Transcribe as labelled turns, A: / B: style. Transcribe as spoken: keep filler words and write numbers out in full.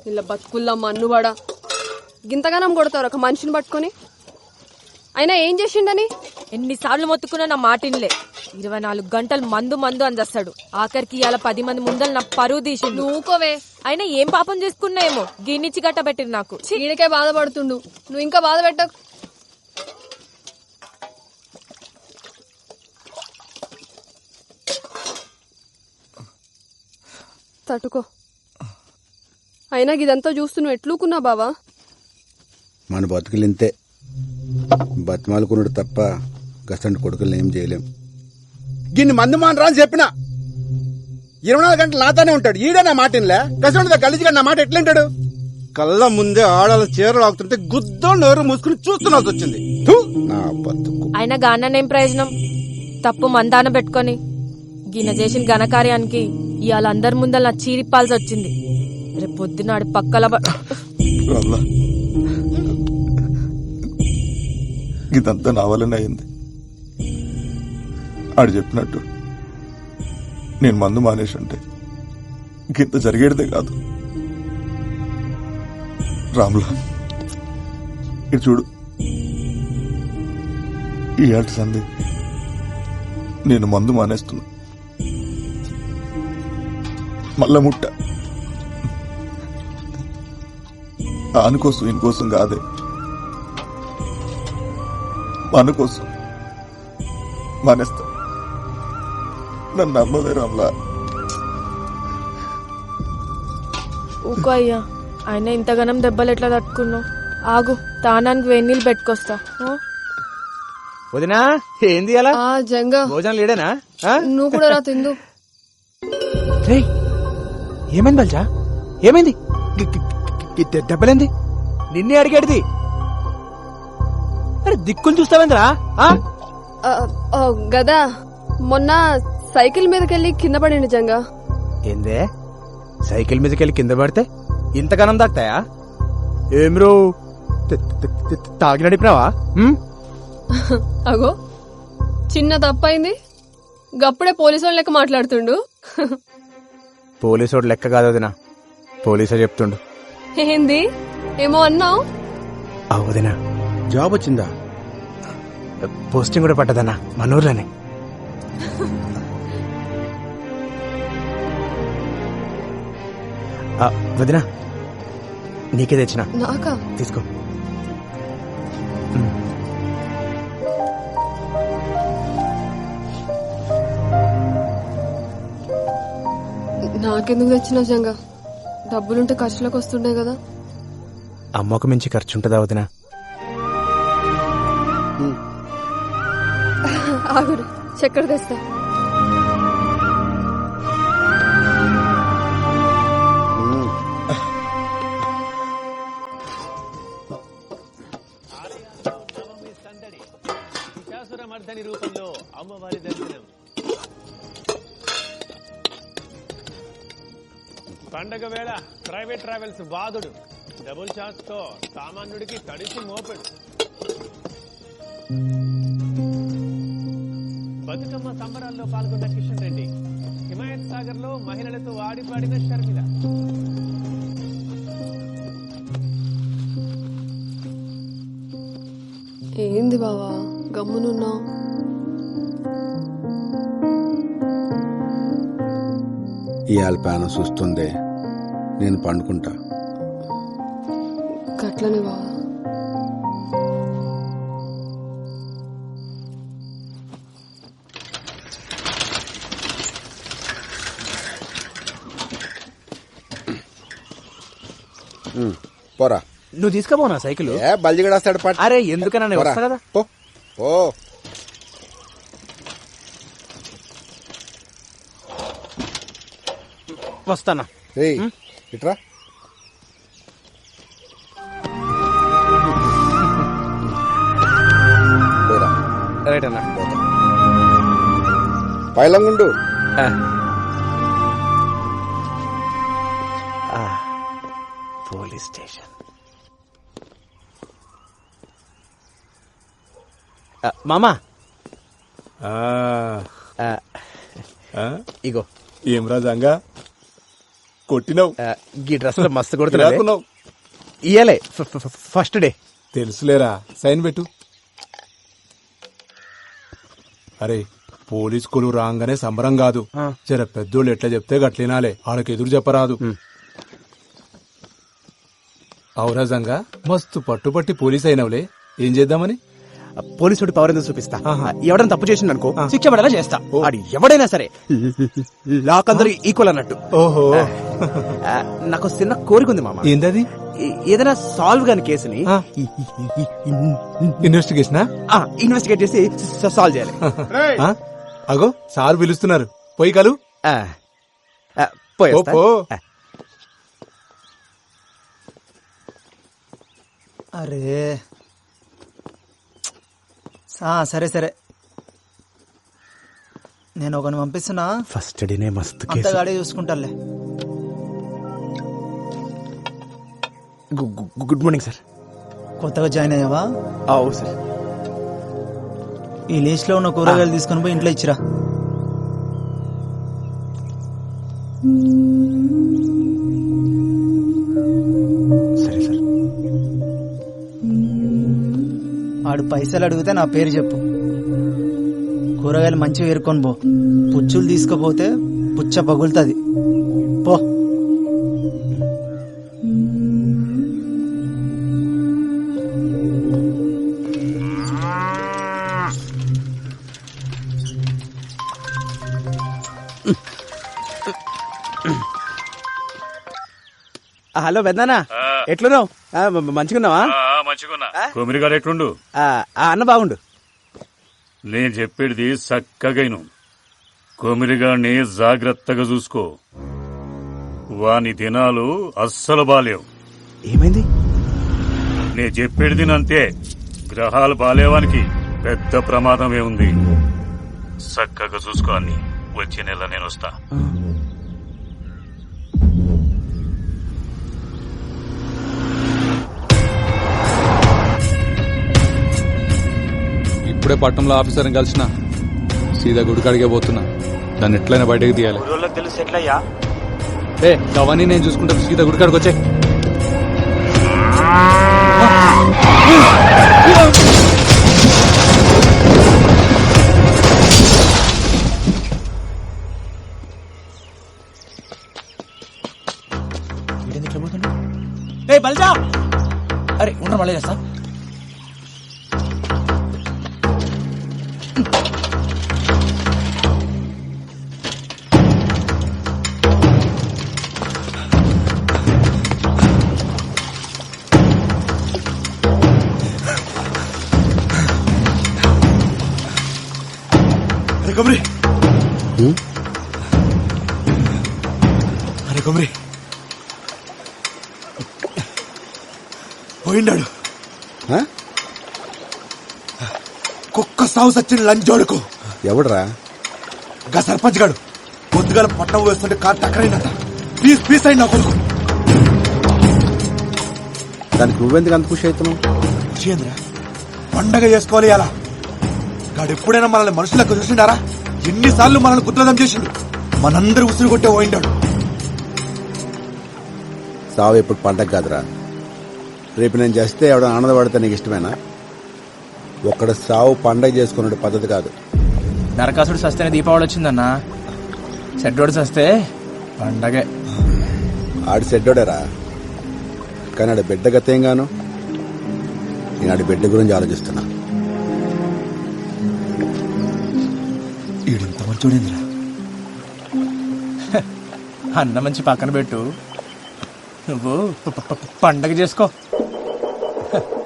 A: ఇలా బతుకుల్లా మన్నువాడా గింతగానం కొడతారు ఒక మనిషిని పట్టుకొని. అయినా ఏం చేసిండని
B: ఎన్నిసార్లు మొత్తుకున్నా నా మాటిన్లే. ఇరవై నాలుగు గంటలు మందు మందు అందేస్తాడు. ఆఖరికి ఇవాళ పది మంది ముందలు నా పరువు తీసి
A: నువ్వుకోవే.
B: అయినా ఏం పాపం చేసుకున్నాయేమో గిన్నిచ్చి గట్ట పెట్టింది నాకు.
A: ఈడికే బాధపడుతుండు, నువ్వు ఇంకా బాధ పెట్టకు. తట్టుకో. అయినా ఇదంతా చూస్తూ నువ్వు ఎట్లుకున్నా బావా?
C: మన బతుకులు ఇంతే, బతిమాలుకున్నాడు తప్ప గసంటి కొడుకులు ఏం చేయలేం. గిన్ని మందు మానరా అని చెప్పిన ఇరవై నాలుగు గంటలు నాతోనే ఉంటాడు. ఈడే నా మాట ఇన్లే. గసంటి గలీజిగా నా మాట ఎట్లుంటాడు? కళ్ళ ముందే ఆడాల చీరలు ఆగుతుంటే గుద్దో నోరు మూసుకుని చూస్తున్నాల్సి వచ్చింది. నా బతుకు.
B: అయినా గాననేం ప్రయోజనం? తప్పు మందాన పెట్టుకొని గిన చేసిన ఘనకార్యానికి ఇవాళ అందరి ముందర నా చీరిప్పాల్సి వచ్చింది. రేపు పొద్దునాడు పక్కల
D: ఇదంతా నా వల్లనే అయింది. ఆడు చెప్పినట్టు నేను మందు మానేసి ఉంటే ఇంత జరిగేదే కాదు. రాములా, ఇటు చూడు. ఈ ఏట సంది నేను మందు మానేస్తున్నా. మళ్ళా ముట్ట ఆనుకోసం ఇంకోసం కాదే, మన కోసం మానేస్తా. నన్ను నమ్మవే రామ్లా.
B: ఊకో అయ్యా, ఆయన ఇంతగానం దెబ్బలు ఎట్లా తట్టుకున్నావు? ఆగు, తానానికి వేణీళ్ళు పెట్టుకొస్తా.
E: వదినా ఏంది అలా
A: జంగా
E: భోజనం లేడేనా?
A: నువ్వు కూడా రా తిందు.
E: ఏమైంది బల్జా? ఏమైంది? దెబ్బలేంది? నిన్నే అడిగేది. అరే దిక్కులు చూస్తావేంద్రా?
A: గదా మొన్న సైకిల్ మీదకెళ్ళి కింద పడింది జంగా.
E: ఏందే సైకిల్ మీదకెళ్ళి కింద పడితే ఇంతగానం దాక్తాయా? ఏం రో తాగి నడిపినావా?
A: అగో చిన్న తప్పైంది, గప్పుడే పోలీసు వాళ్ళ లెక్క మాట్లాడుతుండు.
E: పోలీసోడు లెక్క కాదు వదినా, పోలీసే చెప్తుండు.
A: ఏంది ఏమో అన్నావు?
E: వదినా
C: జాబ్ వచ్చిందా?
E: పోస్టింగ్ కూడా పట్టదన్నా మన ఊర్లోనే. వదినా నీకే తెచ్చిన,
A: నాకా?
E: తీసుకో.
A: నాకెందుకు తెచ్చినావు జంగా? డబ్బులుంటే ఖర్చులకు వస్తుండే కదా.
E: అమ్మకు మించి ఖర్చు ఉంటుందా వదినా?
A: ఆగురు, చక్కెర తెస్తా.
F: రూపంలో అమ్మవారి దర్శనం. పండగ వేళ ప్రైవేట్ ట్రావెల్స్ బాధుడు డబుల్ ఛార్జ్ తో సామాన్యుడికి తడిసి మోపెడు. బతుకమ్మ సంబరాల్లో పాల్గొన్న కిషన్ రెడ్డి. హిమాయత్ సాగర్ లో మహిళలతో ఆడిపాడిన షర్మిల.
A: ఏంది బావా గమ్మునున్నావు?
C: ఇవాళ పానం చూస్తుందే, నేను పండుకుంటా.
A: గట్లనే బావా.
C: పోరా.
E: నువ్వు తీసుకుపోనా సైకిల్?
C: ఏ బల్జిగడేస్తాడు పాట.
E: అరే ఎందుకన్నా వస్తా కదా.
C: పో పో.
E: వస్తానా?
C: ఇట్రా.
E: రైట్ అన్నా.
C: పైలంగుండు.
E: Police station. మామా ఇగో.
D: ఏం రాజంగా కొట్టినావు
E: ఆ, గీ డ్రెస్ లో మస్తు కొడుతున్నా
D: ఇలాకున్నావు.
E: ఇయ్యలే ఫ- ఫ- ఫ- ఫస్ట్ డే
D: తెలుసులేరా సైన్ పెట్టు. అరే పోలీస్ కొలు రాగానే సంబరం కాదు.
E: ఆ.
D: జర పెద్దోళ్ళు ఎట్లా చెప్తే గట్లినాలే, వాళ్ళకి ఎదురు చెప్పరాదు. ఔరాజంగా మస్తు పట్టుపట్టి పోలీస్ అయినవులే, ఏం చేద్దామని?
E: పోలీసుడి పవర్ ఎందుకు చూపిస్తా.
D: ఆహా.
E: ఎవడని తప్పు చేసిండు అనుకో
D: ఆ.
E: శిక్ష పడేలా చేస్తా.
D: ఓ.
E: ఆడు ఎవడైనా సరే లాక్ అందరూ ఈక్వల్ అన్నట్టు.
D: ఓహో
E: ఆ, నాకు చిన్న కోరిక ఉంది మామ.
D: ఏందది?
E: ఏ- ఏదైనా సాల్వ్ కాని కేసుని
D: ఆ. ఇన్వెస్టిగేషనా?
E: ఇన్వెస్టిగేట్ చేసి సాల్వ్ చేయాలి.
D: ఆ? అగో సార్ పిలుస్తున్నారు, పోయి కలు.
E: ఆ. ఆ, పోయేస్తా.
D: పో, పో.
E: ఆ.
G: అరే ఆ, సరే సరే నేను ఒకని పంపిస్తున్నా,
E: ఫస్ట్ డేనే మస్తు కేసు.
G: అంతగాడే చూసుకుంటాలే.
E: గు- గు- గుడ్ మార్నింగ్ సార్.
G: కొత్తగా జాయిన్ అయ్యావా?
E: అవు సార్.
G: ఈ లిస్ట్ లో ఉన్న కూరగాయలు తీసుకొని పోయి ఇంట్లో ఇచ్చిరా.
E: సరే సార్.
G: ఆడు పైసలు అడిగితే నా పేరు చెప్పు. కూరగాయలు మంచిగా ఏరుకొని పో. పుచ్చులు తీసుకుపోతే పుచ్చ పగులుతుంది. పో.
E: ఆ, హలో పెద్దనా, ఎట్లున్నావు? ఆ, మ- మ- మంచిగున్నావా?
H: మంచిగున్నా కొమిరిగాడు ఎట్లుండు?
E: ఆ, ఆ, అన్న బాగుండు.
H: నేను చెప్పేది చక్కగైను. కొమిరిగాడిని జాగ్రత్తగా చూసుకో. వాని దినాలు అస్సలు బాలేవు.
E: ఏమైంది?
H: నేను చెప్పేది అంతే. గ్రహాలు బాలేవానికి పెద్ద ప్రమాదమే ఉంది. చక్కగా చూసుకో అన్ని. వచ్చే నెల నేను వస్తా.
I: ఇప్పుడే పట్టణంలో ఆఫీసర్ని కలిసిన సీదా గుడికాడికే పోతున్నా. దాన్ని ఎట్లయినా బయటకు తీయాలి.
E: తెలుసు ఎట్లయ్యా?
I: ఏ అవన్నీ నేను చూసుకుంటా, సీదా గుడికాడికి వచ్చే.
E: ఏ బల్జా! అరే ఉండరు మళ్ళీ చేస్తా.
D: అరే కొమరి, అరే కొమరి పోయిండాడు.
C: ఆ?
D: కుక్క సాగు సచ్చిన లంచోడుకు
C: ఎవడ్రా?
D: గా సర్పంచ్ గాడు పొద్దుగాల పట్టం వేస్తుంటే కార్ టక్కరైందట. పీస్ పీస్ అయింది నా కొడుకు.
C: దానికి నువ్వెందుకు అంత ఖుషి అవుతున్నావు?
D: చేంద్ర పండగ చేసుకోవాలి అలా. గాడు ఎప్పుడైనా మనల్ని మనుషులకు చూసిండారా? ఎన్నిసార్లు మనల్ని గుద్రదం చేసిండు. మనందరూ ఉసురు కొట్టే పోయిండాడు.
C: సావు ఎప్పుడు పండగ కాదురా. రేపు నేను చేస్తే ఎవడ ఆనందపడితే నీకు ఇష్టమేనా? ఒక్కడ సావు పండగ చేసుకునే పద్ధతి కాదు.
E: నరకాసుడు సస్తేనే దీపావళి వచ్చిందన్నా. చెడ్డోడు సస్తే పండగే.
C: ఆడి సెడ్డోడేరా, కానీ ఆడి బిడ్డ గతేం గాను. నేను ఆడి బిడ్డ గురించి ఆలోచిస్తున్నా.
D: ఈడింత మంచోడేంద్రా.
E: అన్న మంచి పక్కన పెట్టు, నువ్వు ప- ప- పండగ చేసుకో.